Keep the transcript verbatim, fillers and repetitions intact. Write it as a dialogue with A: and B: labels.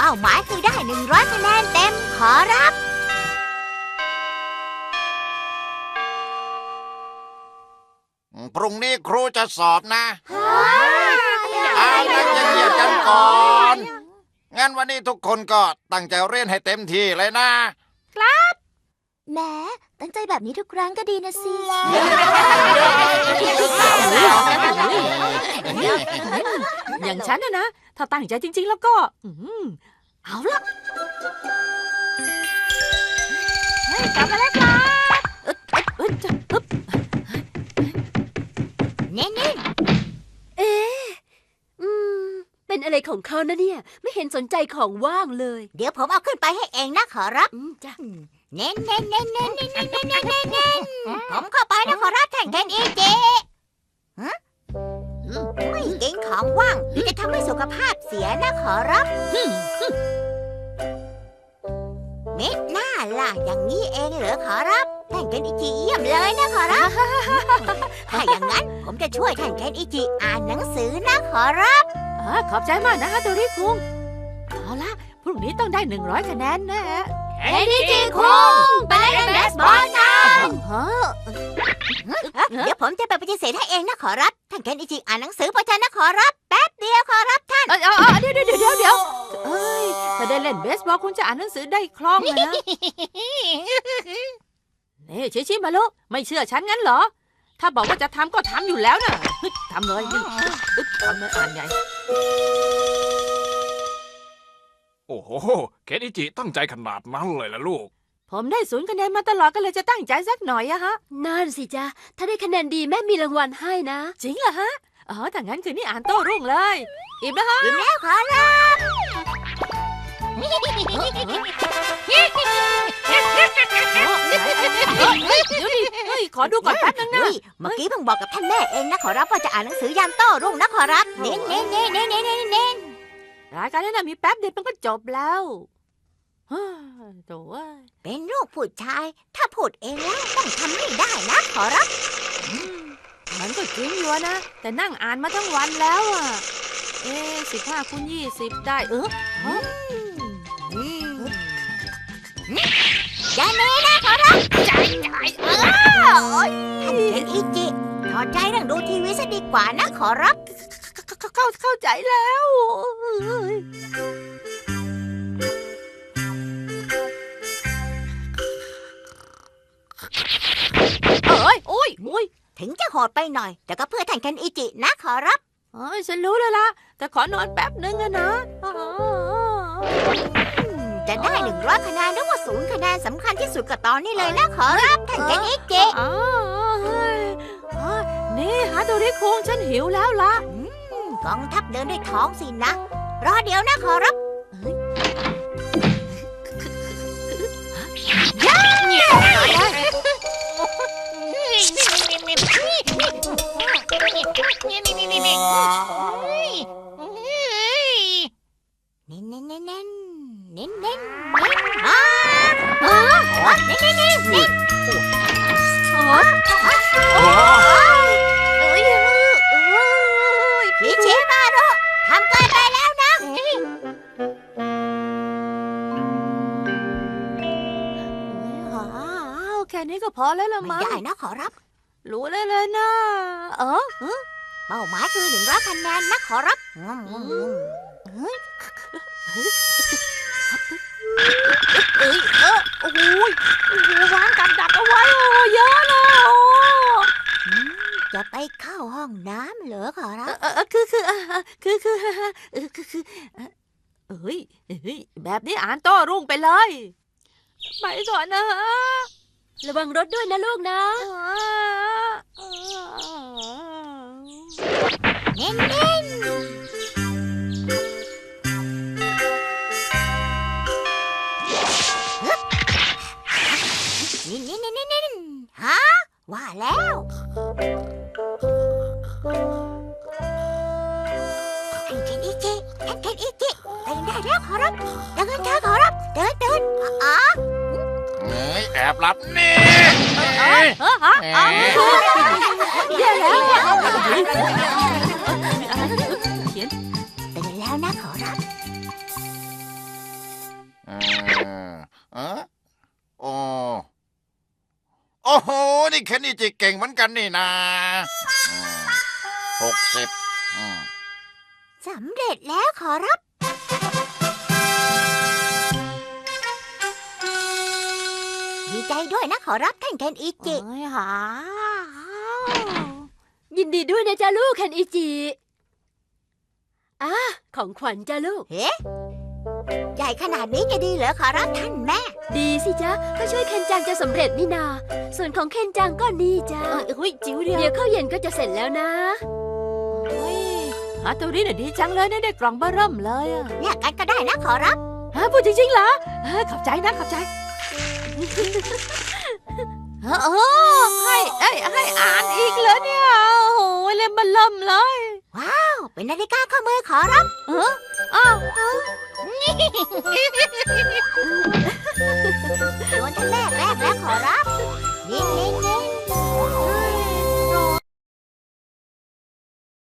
A: ป้าหมายคือได้หนึ่งร้อยคะแนนเต็มขอรับ
B: พรุ่งนี้ครูจะสอบนะ
A: เอา
B: ละจะเงียบกันก่อนงั้นวันนี้ทุกคนก็ตั้งใจเรียนให้เต็มที่เลยนะ
A: แหมตั้งใจแบบนี้ทุกครั้งก็ดีนะสิ
C: อย่างฉันนะนะถ้าตั้งใจจริงๆแล้วก็อืมเอาละเฮ้ยกลับมาแล้วครับเอ๊ะเอ๊ะจะปึ๊บ
A: เน้นๆ
D: เอ๊ะอืมเป็นอะไรของเขานะเนี่ยไม่เห็นสนใจของว่างเลย
A: เดี๋ยวผมเอาขึ้นไปให้เองนะขอรับ
D: อืมจ้ะ
A: เน้นเน้นเน้นเน้นเน้นเน้นเน้นเน้นเน้นเน้นผมเข้าไปนะขอรับแทนแทนเอเจฮะไม่เก่งของว่างจะทำให้สุขภาพเสียนะขอรับเม็ดหน้าล่ะอย่างนี้เองเหรอขอรับแทนแทนอิจิเยี่ยมเลยนะขอรับถ้าอย่างนั้นผมจะช่วยแทนแทนอิจิอ่านหนังสือนะขอรับ
C: อ่าขอบใจมากนะฮะโดริคุงเอาละพรุ่งนี้ต้องได้หนึ่งร้อยคะแนนแน่
A: เอ็นจิคุงไปเล่นเบสบอลกัน
C: ฮะ
A: เดี๋ยวผมจะไปปฏิเสธให้เองนะขอรับท่านเคนอิจิอ่านหนังสือประชันนะขอรับแป๊บเดียวขอรับท่าน
C: เอ้ยเอ้ยเดี๋ยวเดี๋ยวเดี๋ยวเดี๋ยวเอ้ยถ้าได้เล่นเบสบอลคุณจะอ่านหนังสือได้คล่องเลยนะนี่ชิชิมาลุไม่เชื่อฉันงั้นเหรอถ้าบอกว่าจะทำก็ทำอยู่แล้วนะทำเลยนี่ทำเลยอ่านใหญ่
E: โอ้โหเคนอิจิตั้งใจขนาดนั้นเลยล่ะลูก
C: ผมได้ศูนย์คะแนนมาตลอดก็เลยจะตั้งใจสักหน่อยอะฮะ
D: นั่นสิจ๊ะถ้าได้คะแนนดีแม่มีรางวัลให้นะ
C: จริงเหรอฮะอ๋อถ้างั้นคืนนี้อ่านโต้รุ่งเลยอิ่มแล้วฮะ
A: อิ่มแล้วขอรับ
C: เดี๋ยวดิเฮ้ยขอดูก่อนแป๊บนึงนะ
A: เฮ้ยเมื่อกี้เพิ่งบอกกับท่านแม่เองนะขอรับว่าจะอ่านหนังสือยามโต้รุ่งนะขอรับเน้นเน้นเน้นเน้นเน้นเน้นเน้น
C: รายการนี้นะมีแป๊บเดียวมันก็จบแล้วฮ่าโถ่เอ้ย
A: เป็นลูกผู้ชาย ถ้าพูดเองแล้วต้องทำให้ได้นะขอรับ
C: มันก็จริงอยู่นะแต่นั่งอ่านมาทั้งวันแล้วอ่ะเอ๊ะสิบห้าคูณยี่สิบได้เออฮะ
A: อย่าเน้นะขอรับใจใจเออท่านเคนอิจิถอดใจเรื่องดูทีวีซะดีกว่านะขอรับ
C: เข้าเข้าเข้าใจแล้วเอ้ยโอ้ยโอ้ย
A: ถึงจะโหดไปหน่อย แต่ก็เพื่อท่านเคนอิจินะขอรับ
C: เอ้ยฉันรู้แล้วล่ะแต่ขอนอนแป๊บนึงอะนะอ๋อ
A: จะได้หนึ่งร้อยคะแนนหรือว่าศูนย์คะแนนสำคัญที่สุดก็ตอนนี้เลยนะขอรับท่านเคนอิจิ
C: อ๋อเฮ้ยอ๋อนี่ฮะโดริคุงฉันหิวแล้วล่ะ
A: กองทัพเดินด้วยท้องสินะ รอเดี๋ยวนะขอรับเน้นเน้นเน้นเน้นเน้นเน้นเน้นอ่าอ่าเน้นเน้นเน้นเน้นพี่เชมาโรทำเกินไปแล้วนะ
C: อ้าวแค่นี้ก็พอแล้วละ
A: ไม่
C: มั้ง
A: ได้นะขอรับ
C: รู้เลยเลยนะเออ
A: เป้าหมายคือหนึ่งร้อยคะแนนนะขอรับ
C: เอ้ยเออโอ้ยโอ้โหวางกับดักเอาไว้โอ้เยอะเลยโอ้
A: จะไปเข้าห้องน้ำเหรอขอรับ
C: เออเออคือคือเออคือคือเออคือคือเอ้ยเอ้ยแบบนี้อ่านโต้รุ่งไปเลยไปก่อนนะฮะ
D: ระวังรถด้วยนะลูกนะ
A: เน้นเน้นนี่นี่นี่นี่นี่ฮะว่าแล้วท่านเคนอิจิท่านเคนอิจิตื่นได้แล้วขอรับเดินเดินขอรับเดินเดินอ๋อ
B: เอ้ยแอบหลับนี่
C: เฮ้ยฮะฮะแย่แล้วเขียน
A: ตื่นแล้วนะขอรับ
B: ฮะโอ้โอ้โห นี่เคนอิจิเก่งเหมือนกันนี่นะหกสิบ
A: สำเร็จแล้วขอรับ ดีใจด้วยนะขอรับท่านเคนอิจิ
C: เอ้ยหา
D: ยินดีด้วยนะจ๊ะลูกเคนอิจิอ่ะของขวัญจ้ะลูก
A: เฮ้ใหญ่ขนาดนี้จะดีเหรอขอรับท่านแม่
D: ดีสิจ๊ะก็ช่วยเคนจังจะสำเร็จนี่นา ส่วนของเคนจังก็นี่จ้ะ
C: เอ้ยเฮ้ยจิ๋วเดียว
D: เดี๋ยวข้าวเย็นก็จะเสร็จแล้วนะ
C: เฮ้ยฮาโตริน่ะดีจังเลยนะได้กล่องเบอร์เริ่มเลยอะ
A: แยกกันก็ได้นะขอรับ
C: ฮะพูดจริงๆเหรอเออขอบใจนะขอบใจเออเออให้ให้ให้อ่านอีกเลยเนี่ยโอ้โหเล่มมันเริ่มเลย
A: เป็นนาฬิกาข้อมือขอรับ
C: เอออ้าว
A: ส่วนท่านแม่